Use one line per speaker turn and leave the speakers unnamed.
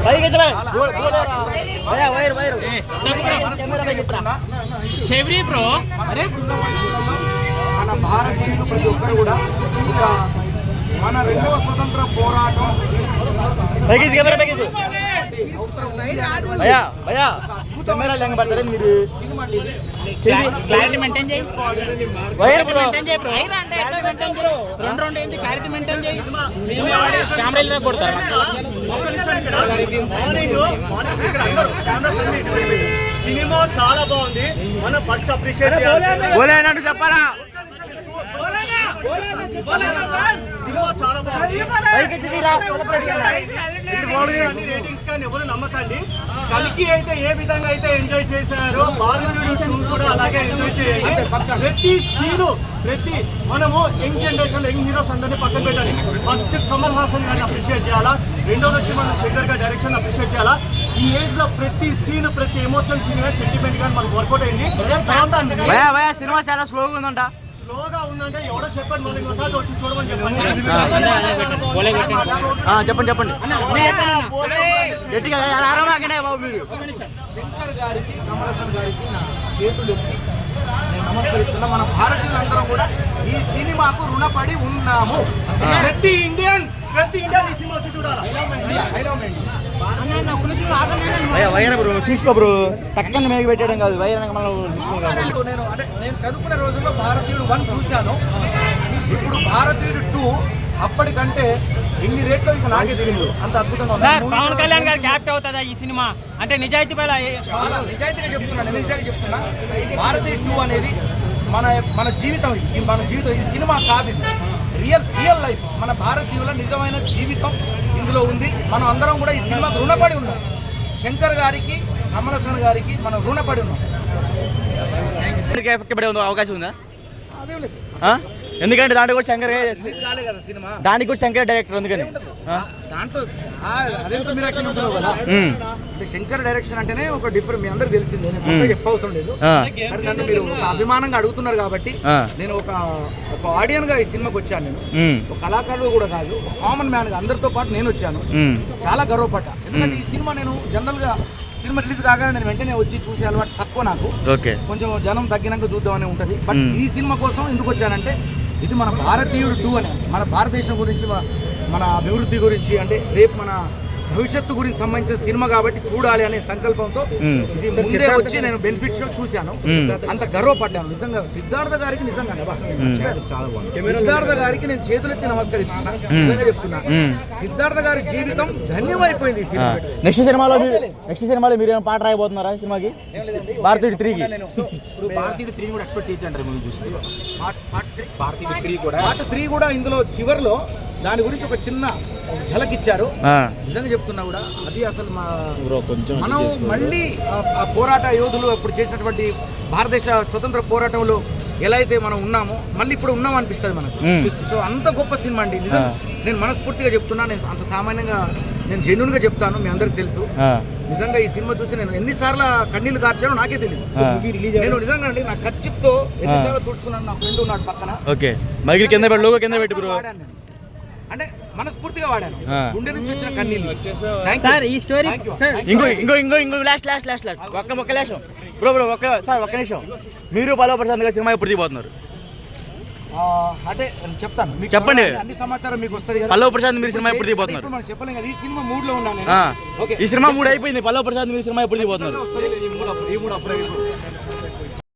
చెవిరి bro. అరే
మన భారతీయులు ప్రతి ఒక్కరు కూడా మన రెండవ స్వతంత్ర పోరాటం
మీరు
క్లారిటీ మెయింటైన్ చేయి. రెండు ఏంటి క్లారిటీ మెయింటైన్ చేయి. కెమెరా కొడతారు.
సినిమా చాలా బాగుంది. మనం ఫస్ట్ అప్రిషియేట్
చెప్పాలా.
సినిమా చాలా బాగుంది. రేటింగ్స్ కానీ ఎవరు నమ్మకండి. కలికి అయితే ఏ విధంగా అయితే ఎంజాయ్ చేశారో భారతీయుడు 2 కూడా అలాగే ఎంజాయ్ చేయాలి. ప్రతి సీను మనము యంగ్ జనరేషన్ యంగ్ హీరోస్ అందరినీ పక్కన పెట్టాలి. ఫస్ట్ కమల్ హాసన్ గారిని అప్రిషియేట్ చేయాలా. రెండోది వచ్చి మనం శంకర్ గారి డైరెక్షన్ అప్రిషియేట్ చేయాలా. ఈ ఏజ్ లో ప్రతి సీన్ ప్రతి ఎమోషనల్ సీన్ కానీ సెంటిమెంట్ కానీ మనకు వర్కౌట్ అయింది.
సినిమా చాలా స్లోగా ఉందంట.
స్లోగా ఉందంటే ఎవడో చెప్పండి. మనం ఇంకోసారి వచ్చి చూడమని చెప్పండి.
చెప్పండి గట్టిగా బాబు. మీరు
శంకర్ గారికి కమల్ హాసన్ గారికి నా చేతులు ఎత్తి నేను నమస్కరిస్తున్నా. మన భారతీయులందరం కూడా ఈ సినిమాకు రుణపడి ఉన్నాము.
ప్రతి ఇండియన్ ఈ సినిమా వచ్చి చూడాలి.
వైర్ బ్రో తీసుకో బ్రో. తక్కువ మేఘ పెట్టడం కాదు వైర్ మనం.
నేను చదువుకునే రోజుల్లో భారతీయుడు 1 చూశాను. ఇప్పుడు భారతీయుడు 2 అప్పటికంటే ఎన్ని రేట్లో ఇంకా నాకే తెలియదు. అంత అద్భుతంగా
సార్ పవన్ కళ్యాణ్ గారు క్యాప్ట్ అవుతుందా ఈ సినిమా అంటే నిజాయితీ పైన?
నిజాయితీగా చెప్తున్నా. భారతీయుడు 2 అనేది మన జీవితం. ఇది మన జీవితం. ఇది సినిమా కాదు. ఇది రియల్ లైఫ్. మన భారతీయుల నిజమైన జీవితం ఇందులో ఉంది. మనం అందరం కూడా ఈ సినిమాకు రుణపడి ఉన్నాం. శంకర్ గారికి కమల్ హాసన్ గారికి మనం రుణపడి ఉన్నాం.
ఎఫెక్ట్ పడే అవకాశం ఉందా? ఎందుకంటే దాంట్లో కూడా శంకర్
సినిమా
దానికి కూడా శంకర్ డైరెక్టర్ అందుకని
దాంట్లో అదేంటో మీరు అక్కడ ఉంటుందో కదా. అంటే శంకర్ డైరెక్షన్ అంటేనే ఒక డిఫరెంట్. మీ అందరికి తెలిసిందే, నేను చెప్పవసరం లేదు. సరే నన్ను మీరు ఒక అభిమానంగా అడుగుతున్నారు కాబట్టి నేను ఒక ఆడియన్ గా ఈ సినిమాకి వచ్చాను. నేను ఒక కళాకారుడు కూడా కాదు, ఒక కామన్ మ్యాన్ గా అందరితో పాటు నేను వచ్చాను. చాలా గర్వపడ్డా. ఎందుకంటే ఈ సినిమా నేను జనరల్ గా సినిమా రిలీజ్ కాగానే నేను వెంటనే వచ్చి చూసే అలవాటు తక్కువ నాకు. కొంచెం జనం తగ్గినాక చూద్దామని ఉంటుంది. బట్ ఈ సినిమా కోసం ఎందుకు వచ్చానంటే ఇది మన భారతీయుడు 2 అని, మన భారతదేశం గురించి, మన అభివృద్ధి గురించి, అంటే రేపు మన భవిష్యత్తు గురించి సంబంధించిన సినిమా కాబట్టి చూడాలి అనే సంకల్పంతో ఇది ముందే వచ్చి నేను బెనిఫిట్ షో చూశాను. అంత గర్వపడ్డాను నిజంగా. సిద్ధార్థ గారికి నేను చేతులెత్తి నమస్కరిస్తున్నా. నిజంగా చెప్తున్నా, సిద్ధార్థ గారి జీవితం ధన్యమైపోయింది ఈ సినిమా.
నెక్స్ట్ సినిమాలో మీరు ఏమైనా పాట రాయబోతున్నారా సినిమాకి? భారతీయుడు 3కి
ఇప్పుడు భారతీయుడు 3 కూడా ఎక్స్పెక్ట్ చేయండి. ముందు చూసి పార్ట్ 3 కూడా ఇందులో చివరిలో దాని గురించి ఒక చిన్న ఝలక్ ఇచ్చారు. నిజంగా చెప్తున్నా కూడా అది అసలు మనం మళ్ళీ ఆ పోరాట యోధులు అప్పుడు చేసినటువంటి భారతదేశ స్వతంత్ర పోరాటంలో ఎలా అయితే మనం ఉన్నామో మళ్ళీ ఇప్పుడు ఉన్నాం అనిపిస్తుంది మనకు. సో అంత గొప్ప సినిమా అండి. నిజంగా నేను మనస్ఫూర్తిగా చెప్తున్నా. నేను అంత సామాన్యంగా నేను జెన్యూన్ గా చెప్తాను. మీ అందరికి తెలుసు. నిజంగా ఈ సినిమా చూసి నేను ఎన్నిసార్లు కన్నీళ్లు కార్చానో నాకే తెలియదు. నేను నిజంగా అండి నా ఖర్చుతో ఎన్నిసార్లు తుడుచుకున్నాను. నా ఫ్రెండ్ ఉన్నాడు పక్కన.
కింద పెట్టి బ్రో
అంటే మనస్ఫూర్తిగా వాడాను. గుండె నుంచి వచ్చిన కన్నీళ్ళు.
ఈ స్టోరీ
ఇంకో లాస్ట్ ఒక్క నిమిషం బ్రో ఒక్క నిమిషం. మీరు పల్లవ ప్రశాంత్ గారి సినిమా ఎప్పుడు దిగిపోతున్నారు?
అంటే చెప్తాను,
చెప్పండి.
అన్ని సమాచారం మీకు వస్తుంది కదా.
పల్లవ ప్రశాంత్ మీరు సినిమా ఎప్పుడు దిగిపోతున్నారు?
మనం చెప్పలేం కదా. ఈ సినిమా మూడ్ లో ఉన్నాను.
ఈ సినిమా మూడ్ అయిపోయింది. పల్లవ ప్రశాంత్ మీరు సినిమా ఎప్పుడు దిగిపోతున్నారు?
ఈ మూడు అప్పుడే